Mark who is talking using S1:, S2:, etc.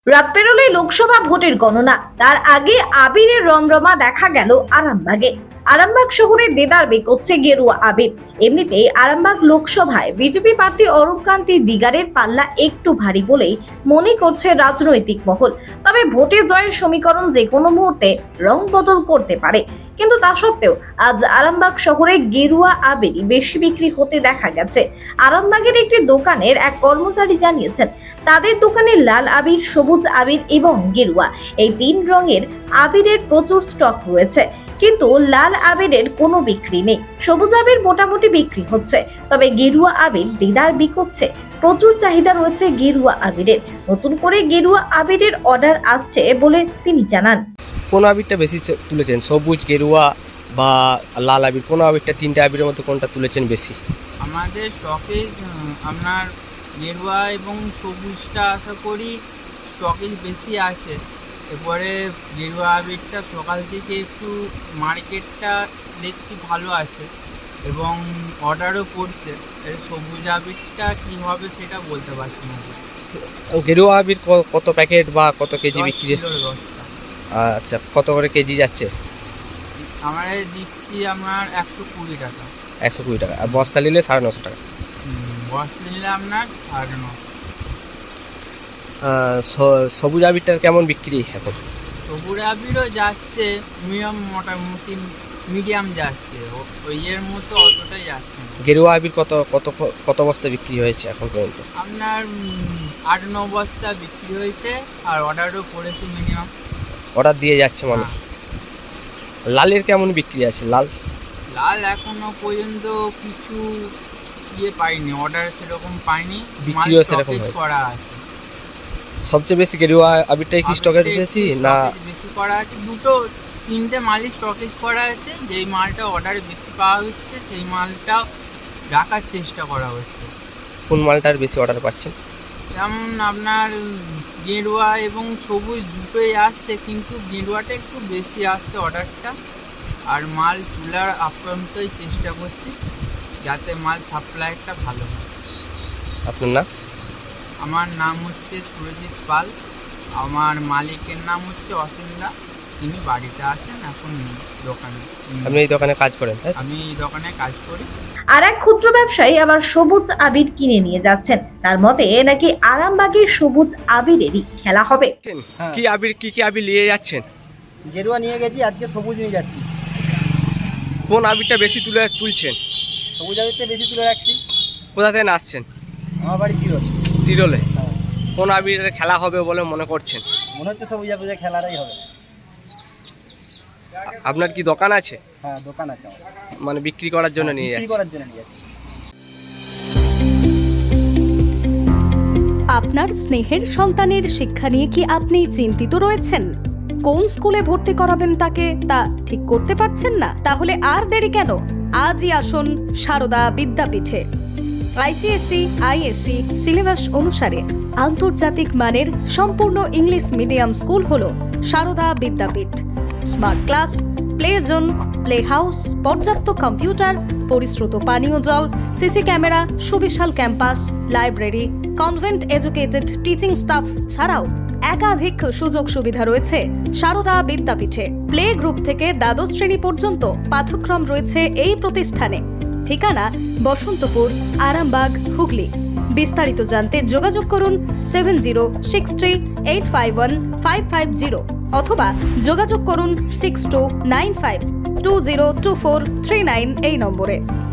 S1: রাত পেরোলে লোকসভা ভোটের গণনা, তার আগে আবিরের রমরমা দেখা গেল আরামবাগে। আরামবাগ শহরে দেদার বেকোচ্ছে গেরুয়া আবির। এমনিতেই আরামবাগ লোকসভায় বিজেপি প্রার্থী অরূপকান্তি দিগারের পাল্লা একটু ভারী বলেই মনে করছে রাজনৈতিক মহল। তবে ভোটে জয়ের সমীকরণ যে কোনো মুহূর্তে রং বদল করতে পারে, কিন্তু তা সত্ত্বেও আজ আরামবাগ শহরে গেরুয়া আবির বেশি বিক্রি হতে দেখা গেছে। আরামবাগের একটি দোকানের এক কর্মচারী জানিয়েছেন, তাদের দোকানে লাল আবির, সবুজ আবির এবং গেরুয়া এই তিন রঙের আবিরের প্রচুর স্টক রয়েছে, কিন্তু লাল আবিরের কোনো বিক্রি নেই। সবুজ আবির মোটামুটি বিক্রি হচ্ছে, তবে গেরুয়া আবির দেদার বিকোচ্ছে। প্রচুর চাহিদা রয়েছে গেরুয়া আবিরের। নতুন করে গেরুয়া আবিরের অর্ডার আসছে বলে তিনি জানান।
S2: কোন আবিরটা বেশি তুলেছেন, সবুজ, গেরুয়া বা লাল আবির? কোন আবিরটা, তিনটে আবিরের মধ্যে কোনটা তুলেছেন বেশি?
S3: আমাদের স্টকেজ আপনার গেরুয়া এবং সবুজটা আশা করি স্টকেজ বেশি আছে। এরপরে গেরুয়া আবিরটা সকাল থেকে একটু মার্কেটটা দেখছি ভালো আছে এবং অর্ডারও পড়ছে। এর সবুজ আবিরটা কী হবে সেটা বলতে পারছি না।
S2: গেরুয়া আবির কত প্যাকেট বা কত কেজি
S3: 10
S2: বিক্রি?
S3: কিলোর বস্তা।
S2: আচ্ছা, কত করে কেজি যাচ্ছে?
S3: আমরা দিচ্ছি আপনার 120 টাকা।
S2: 120 টাকা। আর বস্তা নিলে 950 টাকা।
S3: বস্তা নিলে আপনার 950।
S2: সবুজ আবিরটার কেমন বিক্রি এখন?
S3: সবুজ আবিরও যাচ্ছে মোটামুটি মিডিয়াম যাচ্ছে, ওই এর মতো অতটাই যাচ্ছে না।
S2: গেরুয়া আবির কত কত কত বস্তা বিক্রি হয়েছে এখন পর্যন্ত?
S3: আপনার 8-9 বস্তা বিক্রি হয়েছে আর অর্ডারও পড়েছে মিনিমাম।
S2: অর্ডার দিয়ে যাচ্ছে মানুষ। লালের কেমন বিক্রি আছে? লাল
S3: লাল এখনো পর্যন্ত কিছু পাইনি, অর্ডার সেরকম পাইনি,
S2: বিক্রিও সেরকম
S3: স্টকেজ
S2: হয়নি।
S3: করা আছে।
S2: সবচেয়ে বেশি গেরুয়া আবিরটাই কি স্টকের বেশি না?
S3: বেশি করা আছে, দুটো তিনটে মালই স্টকেজ করা আছে। যেই মালটা অর্ডারে বেশি পাওয়া হচ্ছে সেই মালটাও রাখার চেষ্টা করা হচ্ছে।
S2: কোন মালটার বেশি অর্ডার পাচ্ছেন?
S3: যেমন আপনার গেরুয়া এবং সবুজ দুটোই আসছে, কিন্তু গেরুয়াটা একটু বেশি আসছে অর্ডারটা। আর মাল তোলার আপ্রান্তই চেষ্টা করছি যাতে মাল সাপ্লাইটা ভালো হয়।
S2: আপনার নাম?
S3: আমার নাম হচ্ছে সুরজিৎ পাল। আমার মালিকের নাম হচ্ছে অসিন্দা। তিনি বাড়িতে আছেন, এখন নেই দোকানে।
S2: আপনি এই দোকানে কাজ করেন, তাই তো?
S3: আমি এই দোকানে কাজ করি।
S1: আর এক ক্ষুদ্র ব্যবসায়ী আবার সবুজ আবির কিনে নিয়ে যাচ্ছেন। তার মতে নাকি আরামবাগের সবুজ আবিরেরই খেলা হবে।
S4: হ্যাঁ।
S2: কি আবির, কি কি আবির নিয়ে যাচ্ছেন?
S4: গেরুয়া নিয়ে গেছি, আজকে সবুজ নিয়ে যাচ্ছি।
S2: কোন আবিরটা বেশি তুলছেন?
S4: সবুজ আবিরটা বেশি তুলে রাখছি।
S2: কোথা থেকে আসছেন?
S4: আমার বাড়ি তিরল।
S2: তিরলে।
S4: হ্যাঁ।
S2: কোন আবিরের খেলা হবে বলে মনে করছেন?
S4: মনে হচ্ছে সবুজ আবিরের খেলাটাই হবে।
S2: আপনার কি দোকান আছে?
S4: হ্যাঁ, দোকান আছে আমার।
S2: মানে বিক্রি করার জন্য নিয়ে
S4: বিক্রি
S2: যাচ্ছেন?
S4: করার জন্য নিয়ে যাচ্ছি।
S5: আপনার স্নেহের সন্তানের শিক্ষা নিয়ে কি আপনি চিন্তিত রয়েছেন? কোন স্কুলে ভর্তি করাবেন তাকে তা ঠিক করতে পারছেন না? তাহলে আর দেরি কেন? আজই আসুন সারদা বিদ্যাপীঠে। আইসিএসসি, আইএসসি সিলেবাস অনুসারে আন্তর্জাতিক মানের সম্পূর্ণ ইংলিশ মিডিয়াম স্কুল হলো Sarada Vidyapith. Smart class, play zone, play house, পর্যাপ্ত কম্পিউটার, পরিশ্রুত পানীয় জল, সিসি ক্যামেরা, সুবিশাল campus, library, convent educated teaching staff ছাড়াও একাধিক সুযোগ সুবিধা রয়েছে সারদা বিদ্যাপীঠে। প্লে গ্রুপ থেকে দ্বাদশ শ্রেণী পর্যন্ত পাঠ্যক্রম রয়েছে এই প্রতিষ্ঠানে। ঠিকানা বসন্তপুর, আরামবাগ, হুগলি। বিস্তারিত জানতে যোগাযোগ করুন 7063851550 অথবা যোগাযোগ করুন 6295202439 এই নম্বরে।